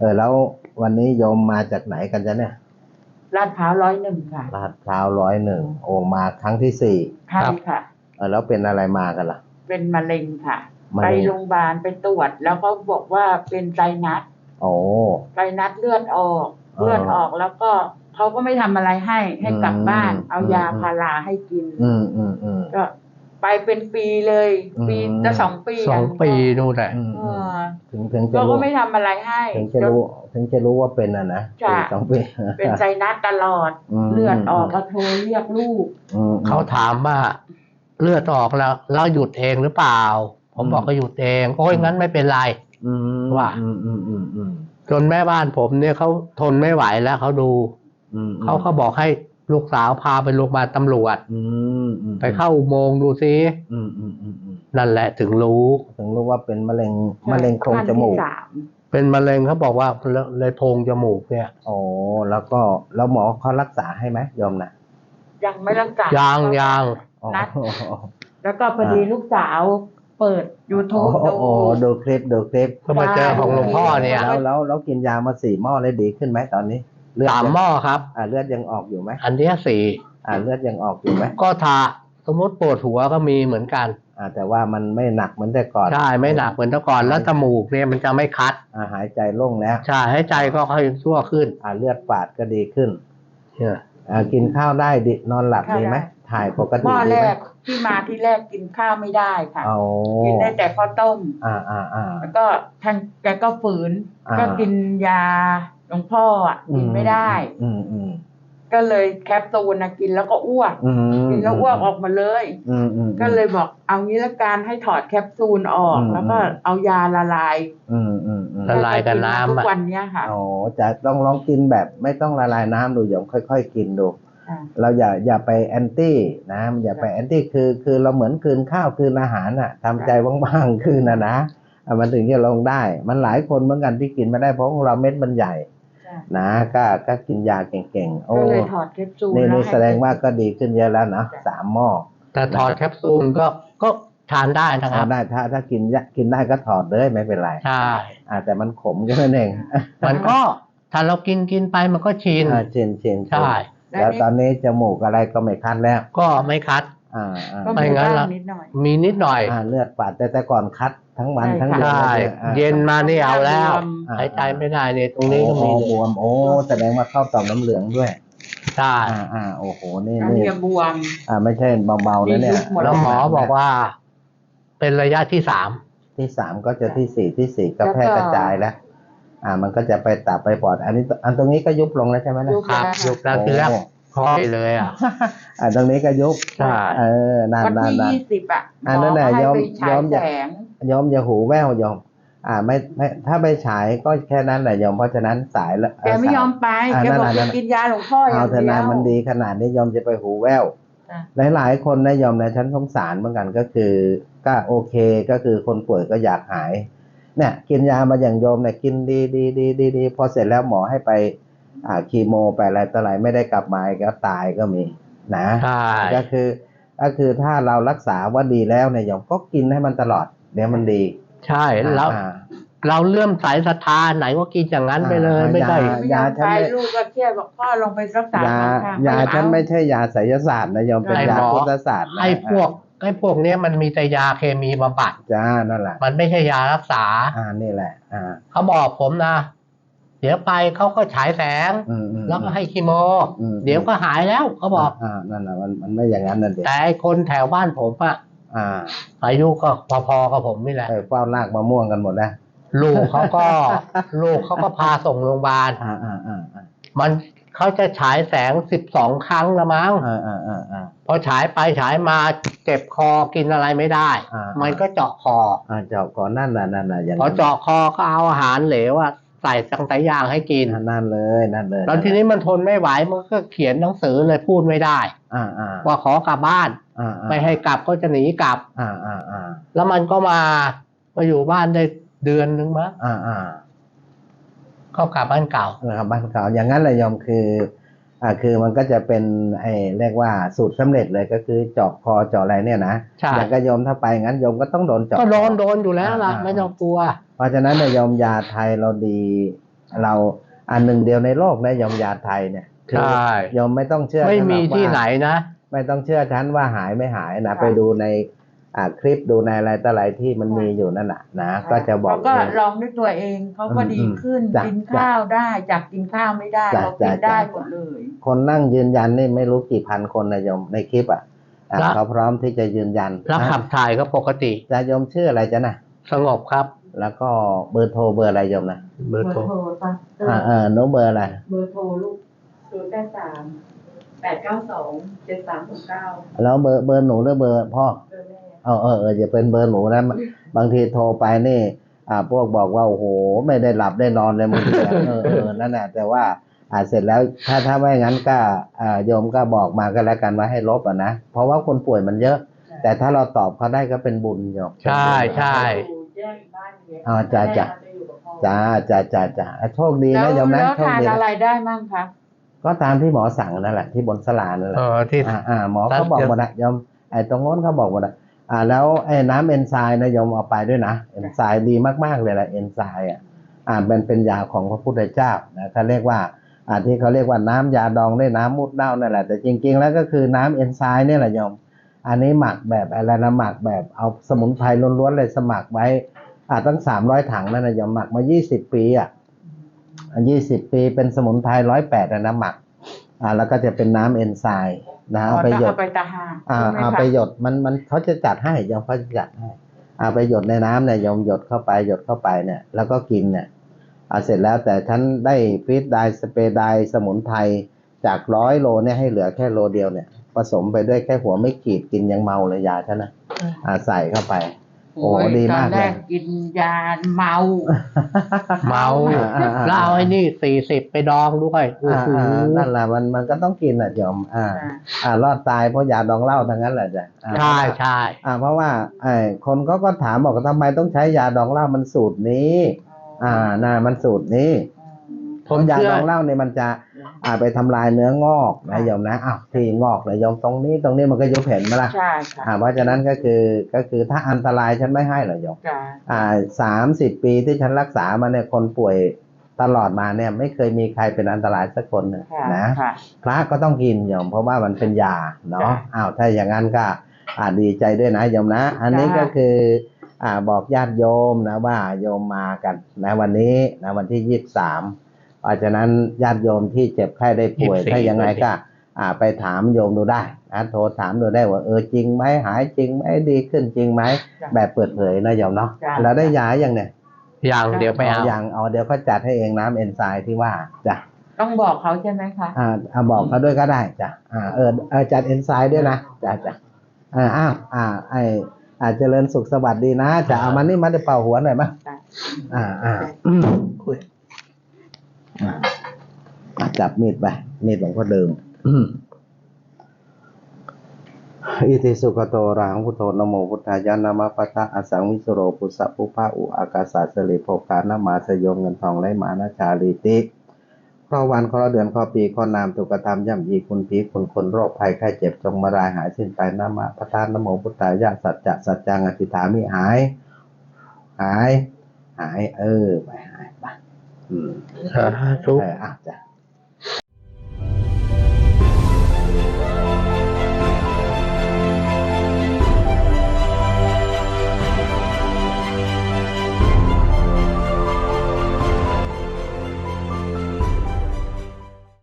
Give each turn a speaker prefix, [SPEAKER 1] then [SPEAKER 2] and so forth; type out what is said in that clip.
[SPEAKER 1] แล้ววันนี้โยมมาจากไหนกันจ๊ะเนี่ย
[SPEAKER 2] ลาดพร้าว101ค่ะ
[SPEAKER 1] ลาดพร้าว101โอ้มาครั้งที่4
[SPEAKER 2] ใช่ค่ะ
[SPEAKER 1] แล้วเป็นอะไรมากันล่ะ
[SPEAKER 2] เป็นมะเร็งค่ะ
[SPEAKER 1] มะ
[SPEAKER 2] ไป
[SPEAKER 1] เร็ง
[SPEAKER 2] โรงพยาบาลไปตรวจแล้วเขาบอกว่าเป็นไซนัส
[SPEAKER 1] โอ้
[SPEAKER 2] ไซนัสเลือดออกแล้วก็เขาก็ไม่ทำอะไรให้กลับบ้านเอายาพาราให้กินก็ไปเป็นปีเลยปีจะ2 ปี
[SPEAKER 3] 2 ปีนู่นแหละ
[SPEAKER 1] ถึงจะ
[SPEAKER 2] ก็ไม่ทำอะไรให้
[SPEAKER 1] ถึงจะรู้ว่าเป็นนะ2 ปี
[SPEAKER 2] เป็นไซนัสตลอดเลือดออกก็โทรเรียกลูก
[SPEAKER 3] เขาถามว่าเลือดออกแล้วหยุดเองหรือเปล่าผมบอกก็หยุดเองโอ้ยงั้นไม่เป็นไรว่าจนแม่บ้านผมเนี่ยเขาทนไม่ไหวแล้วเขาดูเขาบอกให้ลูกสาวพาไปโรงพยาบาลตำรวจไปเข้าอุโมงค์ดูซินั่นแหละถึงรู้
[SPEAKER 1] ว่าเป็นมะเร็งโพรงจมูก
[SPEAKER 3] เป็นมะเร็งเขาบอกว่าเลยโพรงจมูกเนี่ย
[SPEAKER 1] โอ้แล้วหมอเขารักษาให้ไหมยอมนะ
[SPEAKER 2] ยังไม่รักษา
[SPEAKER 3] ยัง
[SPEAKER 2] นัดแล้วก็พอดีลูกสาวเปิด YouTube
[SPEAKER 1] ดูคลิป
[SPEAKER 3] ก็มาเจอของหลวงพ่อเนี่ย
[SPEAKER 1] แล้วกินยามา4 หม้อเลยดีขึ้นไหมตอนนี้
[SPEAKER 3] 3 หม้อครับ
[SPEAKER 1] เลือดยังออกอยู่ไหม
[SPEAKER 3] อันนี้
[SPEAKER 1] 4เลือดยังออกอยู่ไหม
[SPEAKER 3] ก็ถ้าสมมติปวดหัวก็มีเหมือนกัน
[SPEAKER 1] แต่ว่ามันไม่หนักเหมือนแต่ก่อน
[SPEAKER 3] ใช่ไม่หนักเหมือนแต่ก่อนแล้วจมูกเนี่ยมันจะไม่คัด
[SPEAKER 1] หายใจโล่งแล้ว
[SPEAKER 3] ใช่หายใจก็ค่อยชั่วขึ้น
[SPEAKER 1] เลือดฝาดก็ดีขึ้นกินข้าวได้ดินอนหลับดีไหมถ่ายปกติ
[SPEAKER 2] หม้อแรกที่มาที่แรกกินข้าวไม่ได้ค่ะกินได้แต่ข้าวต้มแล้วก็ท่านแกก็ฝืนก็กินยาหลวงพ่อกินไม่ได้ก็เลยแคปซูลกินแล้วก็อ้วกกินแล้วอ้วกออกมาเลยก็เลยบอกเอางี้ละกันให้ถอดแคปซูลออกแล้วก็เอายาละลาย
[SPEAKER 3] กับน้ำ
[SPEAKER 2] ทุกวันนี้ค่ะ
[SPEAKER 1] จะต้องลองกินแบบไม่ต้องละลายน้ำดูอย่างค่อยๆกินดูเราอย่าไปแอนตี้นะอย่าไปแอนตี้คือเราเหมือนคืนข้าวคืนอาหารทำใจว่างๆคืนนะมันถึงจะลงได้มันหลายคนเหมือนกันที่กินไม่ได้เพราะของเราเม็ดมันใหญ่นะก็กินยาเก่งๆ
[SPEAKER 2] ก็เลยถอดแคปซูล
[SPEAKER 1] นี่แสดงว่าก็ดีขึ้นเยอะแล้วนะ3 หม้อ
[SPEAKER 3] แต่ถอดแคปซูลก็ทานได้นะครับ
[SPEAKER 1] ได้ถ้ากินได้ก็ถอดเลยไม่เป็นไร
[SPEAKER 3] ใช่
[SPEAKER 1] แต่มันขมแค่นั้นเอง
[SPEAKER 3] มันก็ถ้าเรากินไปมันก็ชิน
[SPEAKER 1] ใช่แล้วตอนนี้จมูกอะไรก็ไม่คัดแล้ว
[SPEAKER 3] ก็ไม่คัด
[SPEAKER 2] ไม่งั้น
[SPEAKER 3] มีนิดหน่อย
[SPEAKER 1] เลือดฝาดแต่ก่อนคัดทั้งวันทั้งเดือน
[SPEAKER 3] เย็นมานี่เอาแล้วหายใจไม่ได้เนี่ยตรงนี้ก็มี
[SPEAKER 1] บวมแสดงว่าเข้าต่อมน้ำเหลืองด้วย
[SPEAKER 3] ใช่
[SPEAKER 1] โอ้โหนี่
[SPEAKER 2] บวม
[SPEAKER 1] ไม่ใช่เบาๆนะเนี่ย
[SPEAKER 3] แล้วหมอบอกว่าเป็นระยะที่
[SPEAKER 1] 3ก็จะที่4ก็แพร่กระจายแล้วมันก็จะไปตับไปปอดอันตรงนี้ก็ยุบลงแล้วใช่ไหม
[SPEAKER 3] นะครับยุบแล้วทีแรกคอเลย
[SPEAKER 1] ตรงนี้ก็ยุบ
[SPEAKER 3] ใช่
[SPEAKER 1] นาน
[SPEAKER 2] วันที่20
[SPEAKER 1] นั่นแหละยอมอย่าหูแว่วยอมไม่ถ้าไปฉายก็แค่นั้นแหละยอมเพราะฉะนั้นสายแล้ว
[SPEAKER 2] แกไม่ยอมไปแกบอกจะกินยาหลวงพ่ออย่างเดียว
[SPEAKER 1] เท่านั้นมันดีขนาดนี้ยอมจะไปหูแว่วหลายคนนะยอมในชั้นสงสารเหมือนกันก็คือก็โอเคก็คือคนป่วยก็อยากหายเนี่ยกินยามาอย่างโยมเนี่ยกินดีพอเสร็จแล้วหมอให้ไปคีโมไปอะไรต่ออะไรไม่ได้กลับมาก็ตายก็มีนะก็คือถ้าเรารักษาว่าดีแล้วเนี่ยโยมก็กินให้มันตลอดเดี๋ยวมันดี
[SPEAKER 3] ใช่แล้วเราเลื่อมใสศรัทธาไหนก็กินอย่างนั้นไปเลยไม่ได้
[SPEAKER 2] ยาฉันลูกก็เครียดบอกพ่อลงไปรักษาย
[SPEAKER 1] าฉันไม่ใช่ยาไสยศาสตร์นะโยมเป็นยาพุทธศาสตร์
[SPEAKER 3] ไอ้พวกนี้มันมีแต่ยาเคมีบำบัด
[SPEAKER 1] นั่นแหละ
[SPEAKER 3] มันไม่ใช่ยารักษา
[SPEAKER 1] นี่แหละ
[SPEAKER 3] เขาบอกผมนะเดี๋ยวไปเขาก็ฉายแสงแล้วก็ให้คีโมเดี๋ยวก็หายแล้วเขาบอก
[SPEAKER 1] นั่นแหละมันไม่อย่างนั้นนั่นเอง
[SPEAKER 3] แต่คนแถวบ้านผมอายุก็พอๆกับผมนี่แหละ
[SPEAKER 1] เฝ้าลากมะม่วงกันหมดแล้ว
[SPEAKER 3] ลูกเขาก็พาส่งโรงพยาบาลมันเขาจะฉายแสง12 ครั้งละมั้งพอฉายไปฉายมาเจ็บคอกินอะไรไม่ได้มันก็เจาะคอ
[SPEAKER 1] นั่นแหละ
[SPEAKER 3] พอเจาะคอก็เอาอาหารเหลวใส่ตั้งแต่อย่างให้กิน
[SPEAKER 1] นั่นเลย
[SPEAKER 3] แล้วทีนี้มันทนไม่ไหวมันก็เขียนหนังสือเลยพูดไม่ได้ว่าขอกลับบ้านไม่ให้กลับก็จะหนีกลับแล้วมันก็มาอยู่บ้านได้เดือนนึงมั้งก็กลับบ้านเก่า
[SPEAKER 1] อย่างนั้นเลยยอมคือมันก็จะเป็นเรียกว่าสูตรสำเร็จเลยก็คือเจาะคอเจาะอะไรเนี่ยนะอย่างก็ยอมถ้าไปงั้นยอมก็ต้องโดนเจาะ
[SPEAKER 3] ก็โดนอยู่แล้วล่ะไม่ต้องกลัว
[SPEAKER 1] เพราะฉะนั้นเนี่ยยอมยาไทยเราดีเราอันหนึ่งเดียวในโลกนะยมยาไทยเนี่ย
[SPEAKER 3] ใช่
[SPEAKER 1] ยมไม่ต้องเชื่อ
[SPEAKER 3] ไม่มี
[SPEAKER 1] ฉันรอกว่า
[SPEAKER 3] ที่ไหนนะ
[SPEAKER 1] ไม่ต้องเชื่อฉันว่าหายไม่หายนะไปดูในคลิปดูในอะไรต่ออะไรที่มันมีอยู่นั่นน่ะนะก็จะบอก
[SPEAKER 2] เขาก็ลองด้วยตัวเองเขาก็ดีขึ้น
[SPEAKER 1] จ้ะ
[SPEAKER 2] กินข้าวได้จากกินข้าวไม่ได้
[SPEAKER 1] จ้ะ
[SPEAKER 2] เรากิน
[SPEAKER 1] จ้ะ
[SPEAKER 2] ได้
[SPEAKER 1] จ้ะ
[SPEAKER 2] หมดเลย
[SPEAKER 1] คนนั่งยืนยันนี่ไม่รู้กี่พันคนนะโยมในคลิปเขาพร้อมที่จะยืนยัน
[SPEAKER 3] แล้วขับถ่ายก็ปกติ
[SPEAKER 1] จะโยมชื่ออะไรจ๊ะนะ
[SPEAKER 3] สงบครับ
[SPEAKER 1] แล้วก็เบอร์โทรเบอร์อะไรโยมนะ
[SPEAKER 3] เบอร์โทร
[SPEAKER 2] ป่ะ
[SPEAKER 1] โน้ตเบอร์อะไร
[SPEAKER 2] เบอร์โทรลูก083-892-7369
[SPEAKER 1] แล้วเบอร์หนูหรือเบอร์พ่อ
[SPEAKER 2] เบอร์แม่
[SPEAKER 1] อย่าเป็นเบอร์หนูนะบางทีโทรไปนี่พวกบอกว่าโอ้โหไม่ได้หลับได้นอนเลยบางทีนั่นแหละแต่ว่าเสร็จแล้วถ้าไม่งั้นก็โยมก็บอกมาก็แล้วกันว่าให้ลบนะเพราะว่าคนป่วยมันเยอะ แต่ถ้าเราตอบเขาได้ก็เป็นบุญโยม
[SPEAKER 3] ใช่ใช่
[SPEAKER 2] แยกบ้านอย่างเงี้ย
[SPEAKER 1] จ้า
[SPEAKER 2] แม่จะอยู่กับพ่อ
[SPEAKER 1] จ้าโชคดีนะโยมนะ
[SPEAKER 2] แล้ว
[SPEAKER 1] โชค
[SPEAKER 2] ทาน
[SPEAKER 1] ดี
[SPEAKER 2] อะไร
[SPEAKER 1] นะ
[SPEAKER 2] ได้มั่งคะ
[SPEAKER 1] ก็ตามที่หมอสั่งนั่นแหละที่บนสลานั่นแหละ
[SPEAKER 3] ที่
[SPEAKER 1] หมอเขาบอกหมดนะโยมตรงโน้นเขาบอกหมดนะแล้วไอ้น้ำเอนไซม์นะโยมเอาไปด้วยนะเอนไซม์ดีมากๆเลยแหละเอนไซม์มันเป็นยาของพระพุทธเจ้านะเขาเรียกว่าที่เขาเรียกว่าน้ำยาดองด้วยน้ำมูดเน่านั่นแหละแต่จริงๆแล้วก็คือน้ำเอนไซม์นี่แหละโยมอันนี้หมักแบบอะไรนะหมักแบบเอาสมุนไพรล้วนๆเลยสมัครไว้ตั้ง300 ถังนั่นนะโยมหมักมา20 ปี20 ปีเป็นสมุนไพร108นะหมักแล้วก็จะเป็นน้ำเอนไซม์นะเอาไปหยด
[SPEAKER 2] เอาไปตาหา
[SPEAKER 1] เอาไปหยดมันเขาจะจัดให้โยมเขาจะจัดให้เอาไปหยดในน้ำเนี่ยโยมหยดเข้าไปเนี่ยแล้วก็กินเนี่ยเสร็จแล้วแต่ฉันได้ฟีดไดสเปรย์ไดสมุนไพรจาก100 โลเนี่ยให้เหลือแค่โลเดียวเนี่ยผสมไปด้วยแค่หัวไม่ขีดกินยังเมาเลยยาฉันนะใส่เข้าไปโอ้ดีมาก
[SPEAKER 2] ตอนแร
[SPEAKER 1] เลย
[SPEAKER 2] กกินยาเมา
[SPEAKER 3] เมาแล้วเอาไอ้นี่40ไปดองด้วยโอ้โห
[SPEAKER 1] นั่นแหละมันก็ต้องกินโยมรอดตายเพราะยาดองเหล้าทั้งนั้นแหละจ้ะ
[SPEAKER 3] ใช่ใช่
[SPEAKER 1] เพราะว่าคนก็ถามบอกว่าทำไมต้องใช้ยาดองเหล้ามันสูตรนี้มันสูตรนี้ผมยาดองเหล้าเนี่ยมันจะไปทำลายเนื้องอกนะโยมนะที่งอกนะโยมตรงนี้มันก็ยุบเห็นไหมล่ะ
[SPEAKER 2] ใช่ค่ะ
[SPEAKER 1] เพราะฉะนั้นก็คือถ้าอันตรายฉันไม่ให้หรอกโยม30 ปีที่ฉันรักษามาเนี่ยคนป่วยตลอดมาเนี่ยไม่เคยมีใครเป็นอันตรายสักคนหนึ่งนะพระก็ต้องกินโยมเพราะว่ามันเป็นยาเนาะถ้าอย่างนั้นก็ดีใจด้วยนะโยมนะอันนี้ก็คือบอกญาติโยมนะว่าโยมมากันนะวันนี้นะวันที่23เพราะฉะนั้นญาติโยมที่เจ็บไข้ได้ป่วยถ้ายังไงก็ไปถามโยมดูได้นะโทรถามดูได้ว่าจริงไหมหายจริงไหมดีขึ้นจริงไหมแบบเปิดเผยนะโยมเนาะแล้วได้ยาอย่างเนี่ย
[SPEAKER 3] อย่างเดี๋ยวไปเอา
[SPEAKER 1] อย่างเดี๋ยวเขาจัดให้เองน้ำเอนไซม์ที่ว่าจ้ะ
[SPEAKER 2] ต้องบอกเขาใช่ไหมคะ
[SPEAKER 1] บอกเขาด้วยก็ได้จ้ะจัดเอนไซม์ด้วยนะจ้ะเจริญสุขสวัสดีนะจะเอามันนี่มาได้เป่าหัวหน่อยมั้ยคุยจับมีดไปมีดหลวงพ่อเดิมอิติสุขโตอะระหังพุทโธนะโมพุทธายะนะมะปะทะอสังวิสุโรปุสสะปุพะอุอากาสาสลิโภคานะมาสยงเงินทองไหลมานะชาลีติข้อวันข้อเดือนข้อปีข้อนามถูกกระทำย่ำยีคุณผีคุณคนโรคภัยไข้เจ็บจงมารายหายสิ้นไปนะมะปะทะนะโมพุทธายะสัจจะสัจจังอธิษฐามิหายไปหายไป
[SPEAKER 3] สาธุ
[SPEAKER 1] จ้ะ